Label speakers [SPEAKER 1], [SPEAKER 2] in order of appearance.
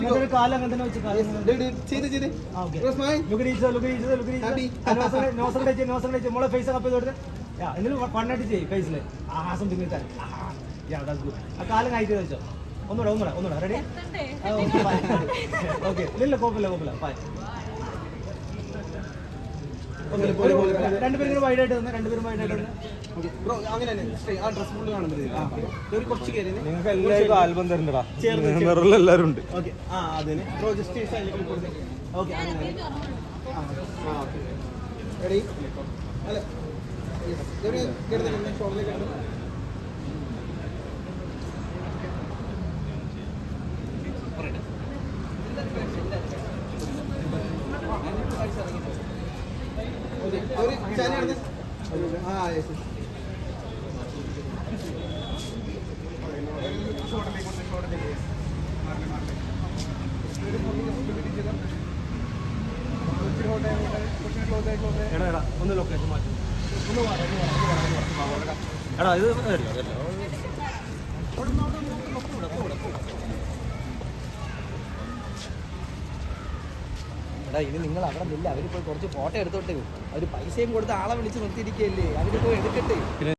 [SPEAKER 1] കാലം അങ്ങനെ തന്നെ വെച്ച് മോളെ ഫേസ് കപ്പ് ചെയ്ത് എന്തെങ്കിലും കണ്ണായിട്ട് ചെയ്യും ഫേസിൽ ആ സംതിങ് ആ കാലം കഴിച്ച് വെച്ചോ ഒന്നുകൂടെ റെഡി ഓക്കെ ഇല്ല കുഴപ്പമില്ല ബൈ രണ്ടുപേരും വൈഡായിട്ട് തന്നെ
[SPEAKER 2] നിങ്ങൾക്ക് എല്ലാവർക്കും ആൽബം തരണ്ടടാ എല്ലാവരും ഉണ്ട്
[SPEAKER 1] ഒന്ന് ലൊക്കേഷൻ മാറ്റും എടാ ഇത് എടാ ഇനി നിങ്ങൾ അവിടെ നില്ല അവരിപ്പോൾ കുറച്ച് ഫോട്ടോ എടുത്തോട്ടെ അവർ പൈസയും കൊടുത്ത് ആളെ വിളിച്ച് നിർത്തിയിരിക്കുകയല്ലേ അവരിപ്പോൾ എടുക്കട്ടെ.